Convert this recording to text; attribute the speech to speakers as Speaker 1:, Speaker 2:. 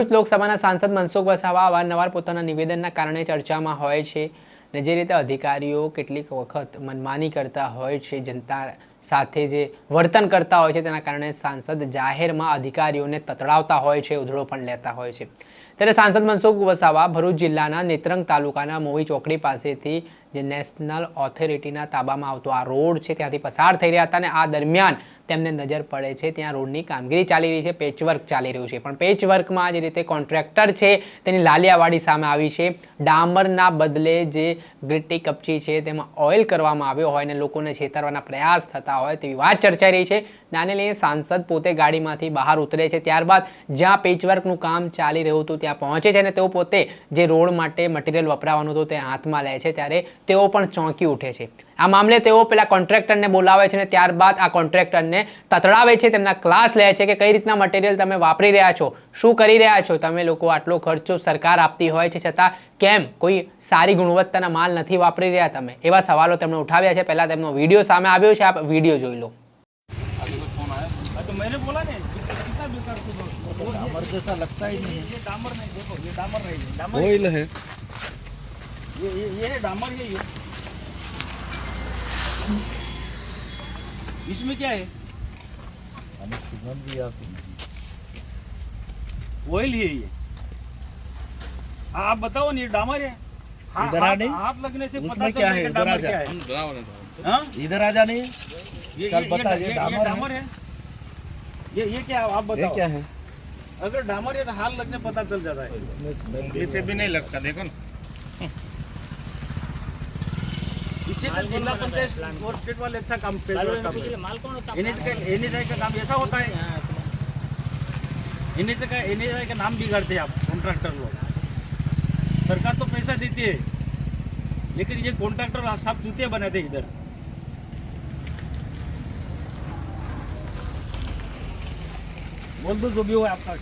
Speaker 1: લોકસભાના સાંસદ મનસુખ વસાવા અવારનવાર પોતાના નિવેદનના કારણે ચર્ચામાં હોય છે અને જે રીતે અધિકારીઓ કેટલીક વખત મનમાની કરતા હોય છે, જનતા સાથે જે વર્તન કરતા હોય છે તેના કારણે સાંસદ જાહેરમાં અધિકારીઓને તતડાવતા હોય છે, ઉધડો પણ લેતા હોય છે। ત્યારે સાંસદ મનસુખ વસાવા ભરૂચ જિલ્લાના નેત્રંગ તાલુકાના મોવી ચોકડી પાસેથી જે નેશનલ ઓથોરિટીના તાબામાં આવતો આ રોડ છે ત્યાંથી પસાર થઈ રહ્યા હતા અને આ દરમિયાન તેમને નજર પડે છે ત્યાં રોડની કામગીરી ચાલી રહી છે, પેચવર્ક ચાલી રહ્યું છે। પણ પેચવર્કમાં જે રીતે કોન્ટ્રાક્ટર છે તેની લાલિયાવાડી સામે આવી છે। ડામરના બદલે જે ગ્રીટી કપચી છે તેમાં ઓઇલ કરવામાં આવ્યો હોય અને લોકોને છેતરવાના પ્રયાસ થતા હોય તેવી વાત ચર્ચાઈ રહી છે। આને લઈને સાંસદ પોતે ગાડીમાંથી બહાર ઉતરે છે, ત્યારબાદ જ્યાં પેચવર્કનું કામ ચાલી રહ્યું હતું ત્યાં પહોંચે છે અને તેઓ પોતે જે રોડ માટે મટીરિયલ વપરાવાનું હતું તે હાથમાં લે છે ત્યારે તેઓ પણ ચોંકી ઉઠે છે। આ મામલે તેઓ પેલા કોન્ટ્રાક્ટરને બોલાવે છે અને ત્યારબાદ આ કોન્ટ્રાક્ટરને તતડાવે છે, તેમના ક્લાસ લે છે કે કઈ રીતના મટીરિયલ તમે વાપરી રહ્યા છો, શું કરી રહ્યા છો, તમે લોકો આટલો ખર્ચો સરકાર આપતી હોય છે છતાં કેમ કોઈ સારી ગુણવત્તાના માલ નથી વાપરી રહ્યા તમે, એવા સવાલો તેમણે ઉઠાવ્યા છે। પહેલા તેમનો વિડીયો સામે આવ્યો છે, આપ વિડીયો જોઈ લો।
Speaker 2: तो मैंने बोला नहीं कितना बेकार डामर जैसा लगता ही नहीं है। ये डामर नहीं, देखो ये डामर नहीं है, डामर
Speaker 3: ऑयल है।
Speaker 2: ये है डामर है ये। इसमें क्या है?
Speaker 3: हमें सुगंध भी आती है।
Speaker 2: ऑयल है ये। आप बताओ ना, ये डामर है।
Speaker 3: इधर आ नहीं,
Speaker 2: हाथ लगने से पता
Speaker 3: उसमें क्या है?
Speaker 2: चलता
Speaker 3: इधर आ
Speaker 2: डामर क्या
Speaker 3: जा,
Speaker 2: है। हाँ?
Speaker 3: इधर आ जा नहीं। चल बता, ये
Speaker 2: डामर है। ये क्या आप बताओ,
Speaker 3: ये क्या है?
Speaker 2: अगर डामर है तो हाथ लगने पता चल जाता है।
Speaker 4: उंगली से भी नहीं लगता, देखो ना।
Speaker 2: इससे तो जिला पंचायत और स्टेट वाले अच्छा काम पे एनएचआई का काम ऐसा होता है। एनएचआई का नाम बिगाड़ते हैं आप कॉन्ट्रैक्टर लोग। सरकार तो पैसा देती है लेकिन ये कॉन्ट्रैक्टर सब जूते बनाते हैं इधर। बोल दो जो भी हो आपका।